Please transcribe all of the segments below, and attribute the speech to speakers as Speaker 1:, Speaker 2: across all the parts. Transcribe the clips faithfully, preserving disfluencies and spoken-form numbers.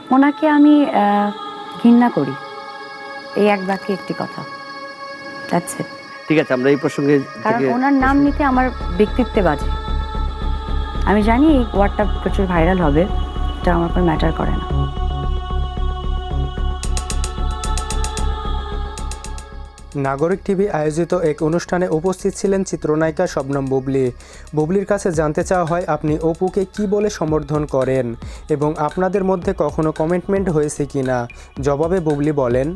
Speaker 1: ওনাকে আমি ঘৃণা করি, এই এক বাক্যে একটি কথা। That's it.
Speaker 2: ঠিক আছে, আমরা এই প্রসঙ্গে
Speaker 1: কারণ ওনার নাম নিতে আমার ব্যক্তিত্বে বাজে। আমি জানি এই ওয়ার্ডটা প্রচুর ভাইরাল হবে, এটা আমার কোনো ম্যাটার করে না।
Speaker 3: নাগরিক টিভি আয়োজিত এক অনুষ্ঠানে উপস্থিত ছিলেন চিত্রনায়িকা শবনম বুবলি। বুবলির কাছে জানতে চাওয়া হয়, আপনি অপুকে কি বলে সম্বোধন করেন এবং আপনাদের মধ্যে কখনো কমিটমেন্ট হয়েছে কিনা। জবাবে বুবলি বলেন,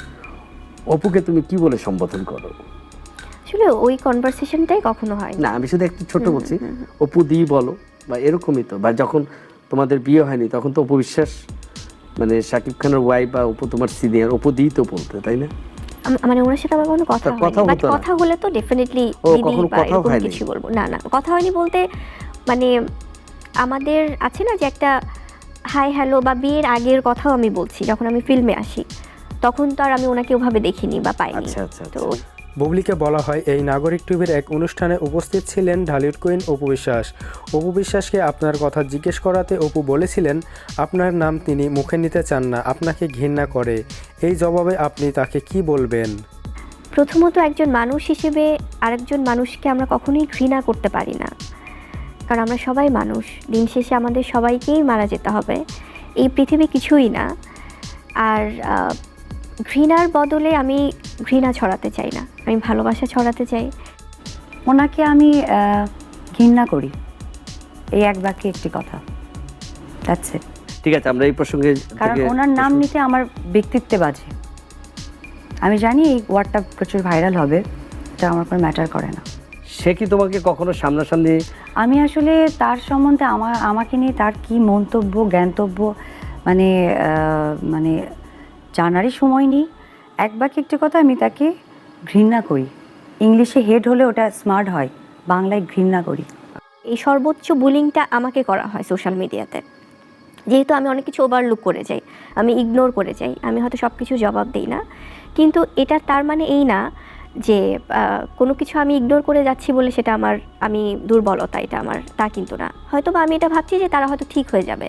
Speaker 2: অপুকে তুমি কি বলে সম্বোধন করো?
Speaker 4: আসলে ওই কনভারসেশনটাই কখনো হয়
Speaker 2: না, আমি শুধু একটু ছোট বলছি, অপু দি বলো বা এরকমই তো। বা যখন তোমাদের বিয়ে হয়নি তখন তো অপু বিশ্বাস মানে শাকিব খানের ওয়াইফ বা অপু তোমার সিনিয়র, অপু দি তো বলতে, তাই না?
Speaker 4: মানে ওনার সাথে আমার কোনো কথা হয়নি, বাট কথা হলে তো ডেফিনেটলি দিদি বা এরকম কিছু বলবো। না না, কথা হয়নি বলতে মানে আমাদের আছে না যে একটা হাই হ্যালো বা বিয়ের আগের কথাও আমি বলছি, যখন আমি ফিল্মে আসি তখন তো আর আমি ওনাকে ওভাবে দেখিনি বা পাইনি।
Speaker 2: আচ্ছা আচ্ছা।
Speaker 4: তো
Speaker 3: বুবলিকে বলা হয়, এই নাগরিক টিভির এক অনুষ্ঠানে উপস্থিত ছিলেন ঢালিউড কুইন অপু বিশ্বাস। অপু বিশ্বাসকে আপনার কথা জিজ্ঞেস করাতে অপু বলেছিলেন, আপনার নাম তিনি মুখে নিতে চান না, আপনাকে ঘৃণা করে। এই জবাবে আপনি তাকে কি বলবেন?
Speaker 4: প্রথমত একজন মানুষ হিসেবে আরেকজন মানুষকে আমরা কখনোই ঘৃণা করতে পারি না, কারণ আমরা সবাই মানুষ। দিন শেষে আমাদের সবাইকেই মারা যেতে হবে, এই পৃথিবী কিছুই না। আর ঘৃণার বদলে আমি ঘৃণা ছড়াতে চাই না, আমি ভালোবাসা ছড়াতে চাই।
Speaker 1: ওনাকে আমি ঘৃণা করি, এই এক বাক্যে একটি কথা। That's it.
Speaker 2: ঠিক আছে, আমরা এই প্রসঙ্গে
Speaker 1: কারণ ওনার নাম নিতে আমার ব্যক্তিত্বে বাজে। আমি জানি এই ওয়ার্ডটা প্রচুর ভাইরাল হবে, এটা আমার কোনো ম্যাটার করে না।
Speaker 2: সে কি তোমাকে কখনো সামনাসামনি?
Speaker 1: আমি আসলে তার সম্বন্ধে আমার আমাকে নিয়ে তার কি মন্তব্য জ্ঞানতব্য মানে মানে জানারই সময় নেই। এক বাক্যে একটি কথা, আমি তাকে ঘৃণা করি। ইংলিশে হেড হলে ওটা স্মার্ট হয়, বাংলায় ঘৃণা করি।
Speaker 4: এই সর্বোচ্চ বুলিংটা আমাকে করা হয় সোশ্যাল মিডিয়াতে, যেহেতু আমি অনেক কিছু ওভারলুক করে যাই, আমি ইগনোর করে যাই, আমি হয়তো সব কিছু জবাব দিই না। কিন্তু এটা তার মানে এই না যে কোনো কিছু আমি ইগনোর করে যাচ্ছি বলে সেটা আমার আমি দুর্বলতা, এটা আমার তা কিন্তু না। হয়তো বা আমি এটা ভাবছি যে তারা হয়তো ঠিক হয়ে যাবে।